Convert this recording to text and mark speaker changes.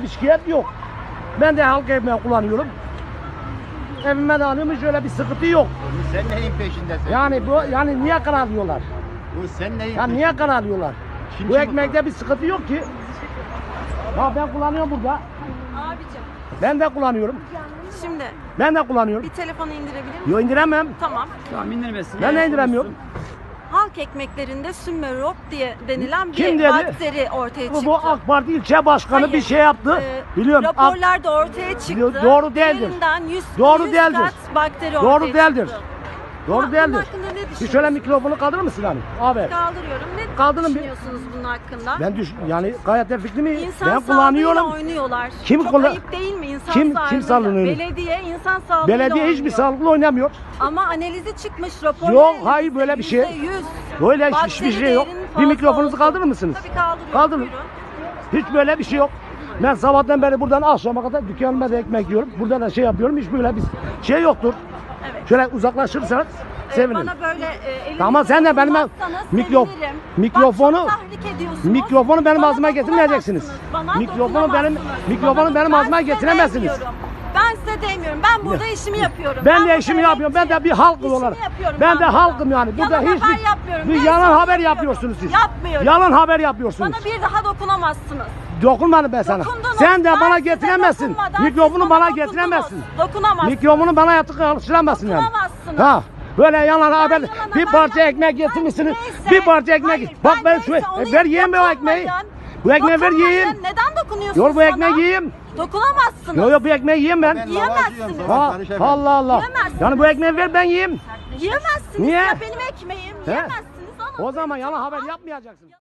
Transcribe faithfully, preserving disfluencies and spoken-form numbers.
Speaker 1: şikayet yok. Ben de halk ekmeği kullanıyorum. Evime de alıyorum, hiç öyle bir sıkıntı yok.
Speaker 2: Sen neyin peşindesin?
Speaker 1: Yani bu yani niye karalıyorlar?
Speaker 2: Bu sen neyin
Speaker 1: Ya niye karalıyorlar?
Speaker 2: Kim
Speaker 1: Bu
Speaker 2: kim
Speaker 1: ekmekte bir sıkıntı yok ki. Ya ben kullanıyorum burada.
Speaker 3: Abicim
Speaker 1: Ben de kullanıyorum.
Speaker 3: şimdi
Speaker 1: Ben de kullanıyorum.
Speaker 3: bir telefonu indirebilir misin?
Speaker 1: Yo indiremem.
Speaker 3: Tamam.
Speaker 4: Tamam indirmesin.
Speaker 1: Ben de indiremiyorum.
Speaker 3: Halk ekmeklerinde Sümerop diye denilen bir
Speaker 1: Kim dedi?
Speaker 3: bakteri ortaya
Speaker 1: Bu,
Speaker 3: çıktı.
Speaker 1: bu AK Parti ilçe başkanı
Speaker 3: Hayır,
Speaker 1: bir şey yaptı.
Speaker 3: e,
Speaker 1: Biliyorum. AK-
Speaker 3: Raporlarda ortaya çıktı.
Speaker 1: Biliyor- doğru değildir.
Speaker 3: Üzerinden yüz,
Speaker 1: Doğru
Speaker 3: yüz
Speaker 1: değildir.
Speaker 3: kat bakteri
Speaker 1: Doğru
Speaker 3: ortaya
Speaker 1: değildir.
Speaker 3: çıktı.
Speaker 1: Doğru
Speaker 3: Bunun
Speaker 1: değildir.
Speaker 3: hakkında ne
Speaker 1: Bir şöyle
Speaker 3: düşünüyorsunuz?
Speaker 1: mikrofonu kaldırır mısın hani? Abi.
Speaker 3: Kaldırıyorum. Ne
Speaker 1: Kaldırın bir-
Speaker 3: düşünüyorsunuz bunun hakkında?
Speaker 1: Ben düş yani gayet de fikrimi
Speaker 3: İnsan
Speaker 1: ben
Speaker 3: sağlığıyla
Speaker 1: kullanıyorum.
Speaker 3: oynuyorlar.
Speaker 1: Kim
Speaker 3: Çok
Speaker 1: kullan-
Speaker 3: ayıp değil mi insan
Speaker 1: Kim- kim
Speaker 3: sağlığıyla?
Speaker 1: sağlığını-
Speaker 3: Belediye insan sağlığıyla
Speaker 1: Belediye hiçbir
Speaker 3: oynuyor.
Speaker 1: sağlıklı oynamıyor.
Speaker 3: Ama analizi çıkmış rapor.
Speaker 1: Yok, hayır, böyle bir şey.
Speaker 3: yüz.
Speaker 1: Böyle hiç-
Speaker 3: Bakteri
Speaker 1: hiçbir şey yok.
Speaker 3: değerinin
Speaker 1: Bir
Speaker 3: fazla
Speaker 1: mikrofonunuzu
Speaker 3: olduğu.
Speaker 1: kaldırır mısınız?
Speaker 3: Tabii kaldırıyorum.
Speaker 1: Kaldırın.
Speaker 3: Buyurun.
Speaker 1: Hiç böyle bir şey yok. Ben sabahtan beri buradan akşama kadar dükkanıma da ekmek yiyorum. Burada da şey yapıyorum. Hiç böyle bir şey yoktur.
Speaker 3: Evet.
Speaker 1: Şöyle uzaklaşırsanız
Speaker 3: Ee,
Speaker 1: sevinirim.
Speaker 3: Bana böyle e, elinizi
Speaker 1: Tamam, sen de benim
Speaker 3: dokunmazsanız
Speaker 1: mikro-
Speaker 3: sevinirim.
Speaker 1: mikrofonu-
Speaker 3: Bak, çok tahrik ediyorsunuz.
Speaker 1: Mikrofonu benim
Speaker 3: Bana
Speaker 1: ağzıma getirmeyeceksiniz.
Speaker 3: dokunamazsınız. Bana
Speaker 1: Mikrofonu benim-
Speaker 3: dokunamazsınız.
Speaker 1: mikrofonu
Speaker 3: Bana-
Speaker 1: benim
Speaker 3: ben
Speaker 1: ağzıma
Speaker 3: size
Speaker 1: getiremezsiniz.
Speaker 3: demiyorum. Ben size demiyorum. Ben burada işimi yapıyorum.
Speaker 1: Ben de
Speaker 3: burada
Speaker 1: işimi yapıyorum. Ben de bir
Speaker 3: emekçiyim.
Speaker 1: halk
Speaker 3: İşimi
Speaker 1: olarak.
Speaker 3: yapıyorum
Speaker 1: Ben de
Speaker 3: burada.
Speaker 1: halkım yani. Burada
Speaker 3: Yalan
Speaker 1: hiçbir
Speaker 3: haber yapmıyorum.
Speaker 1: bir
Speaker 3: Ben
Speaker 1: yalan
Speaker 3: sana
Speaker 1: haber
Speaker 3: yapıyorum.
Speaker 1: yapıyorsunuz siz.
Speaker 3: Yapmıyorum.
Speaker 1: Yalan haber yapıyorsunuz.
Speaker 3: Bana bir daha dokunamazsınız.
Speaker 1: Dokunmadım ben sana.
Speaker 3: Dokundunuz.
Speaker 1: Sen de
Speaker 3: Ben
Speaker 1: bana
Speaker 3: size
Speaker 1: getiremezsin.
Speaker 3: dokunmadan
Speaker 1: Mikrofonu
Speaker 3: siz
Speaker 1: bana
Speaker 3: dokundunuz.
Speaker 1: getiremezsin.
Speaker 3: Dokunamazsınız.
Speaker 1: Mikrofonu bana yatık alıştıramazsın yani.
Speaker 3: Dokunamazsınız.
Speaker 1: Ha. Böyle yalan haber.
Speaker 3: yalan
Speaker 1: Bir
Speaker 3: haber
Speaker 1: parça
Speaker 3: yapmıyorum.
Speaker 1: ekmek getirmişsiniz.
Speaker 3: Neyse.
Speaker 1: Bir parça ekmek.
Speaker 3: Hayır,
Speaker 1: Bak ben
Speaker 3: neyse,
Speaker 1: şu
Speaker 3: onu
Speaker 1: ver yiyeyim ben o ekmeği.
Speaker 3: dokunmayın.
Speaker 1: Bu ekmeği ver
Speaker 3: Dokunmayın.
Speaker 1: yiyeyim.
Speaker 3: Neden dokunuyorsunuz
Speaker 1: Yor bu
Speaker 3: bana?
Speaker 1: ekmeği yiyeyim.
Speaker 3: Dokunamazsınız.
Speaker 1: Yok yok bu ekmeği yiyeyim ben.
Speaker 2: Ben
Speaker 3: Yiyemezsiniz.
Speaker 2: lavacıyım, sabah
Speaker 1: Ha,
Speaker 2: karışamam.
Speaker 1: Allah Allah.
Speaker 3: Yiyemezsiniz.
Speaker 1: Yani bu ekmeği ver ben yiyeyim.
Speaker 3: Yiyemezsiniz.
Speaker 1: Niye?
Speaker 3: Ya benim ekmeğim.
Speaker 1: He?
Speaker 3: Yiyemezsiniz. Alın.
Speaker 1: O zaman yalan haber yapmayacaksın.